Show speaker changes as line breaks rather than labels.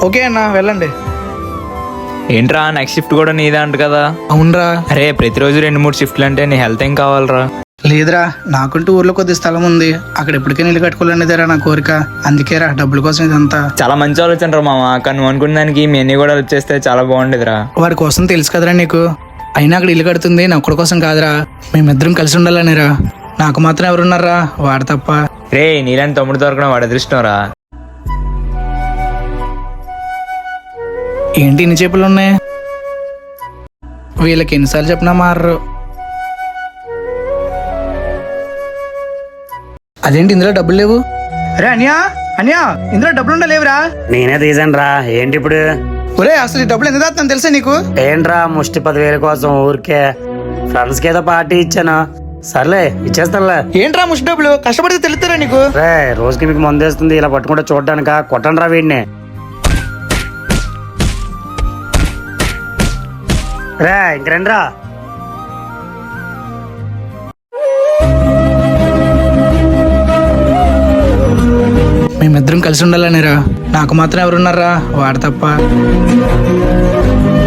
Okay అన్న వెళ్ళండి.
ఏంట్రా నెక్స్ట్ షిఫ్ట్ కూడా నీదే అంట కదా?
అవునరా.
అరే ప్రతిరోజు 2-3 షిఫ్ట్లు అంటే నీ హెల్త్ ఏం కావాలరా?
లేదురా, నాకుంటూ ఊర్లో కొద్ది స్థలం ఉంది, అక్కడ ఎప్పటికైనా ఇల్లు కట్టుకోవాలనేదేరా నా కోరిక. అందుకేరా డబ్బుల కోసం ఇదంతా.
చాలా మంచి ఆలోచన రా మామ, కానీ నువ్వు అనుకున్న దానికి మీ అన్ని కూడా వచ్చేస్తే చాలా బాగుండేదిరా.
వాడి కోసం తెలుసు కదరా నీకు. అయినా అక్కడ ఇల్లు కడుతుంది నా ఒక్కడి కోసం కాదురా, మేమిద్దరం కలిసి ఉండాలనిరా. నాకు మాత్రం ఎవరున్నారా, వాడు తప్ప.
రే నీలాంటి తమ్ముడు దొరకడం వాడి అదృష్టం రా.
ఏంటి ఇన్ని చేపలు ఉన్నాయి? వీళ్ళకి ఎన్నిసార్లు చెప్పినా మారరు. అదేంటి ఇందులో డబ్బులు లేవు? అరే అన్యా అన్యా, ఇందులో డబ్బులు ఉండలేవురా.
నేనే తీసాను రా. ఏంటి ఇప్పుడు?
ఒరే అసలు ఈ డబ్బులు ఎంత దాస్తాను తెలుసా నీకు?
ఏంట్రా ముష్టి 10,000 కోసం ఊరికే ఫ్రెండ్స్ కి ఏదో పార్టీ ఇచ్చాను. సర్లే ఇచ్చేస్తానులే.
ఏంట్రా ముష్టి డబ్బులు? కష్టపడితే తెలుస్తారా నీకు?
రే రోజుకి మీకు మందేస్తుంది, ఇలా పట్టుకుంటే చూడడానిక? కొట్టండి రా వీడిని. రే ఇంక రండి రా.
మేమిద్దరం కలిసి ఉండాలనిరా. నాకు మాత్రం ఎవరున్నారా, వాడు తప్ప.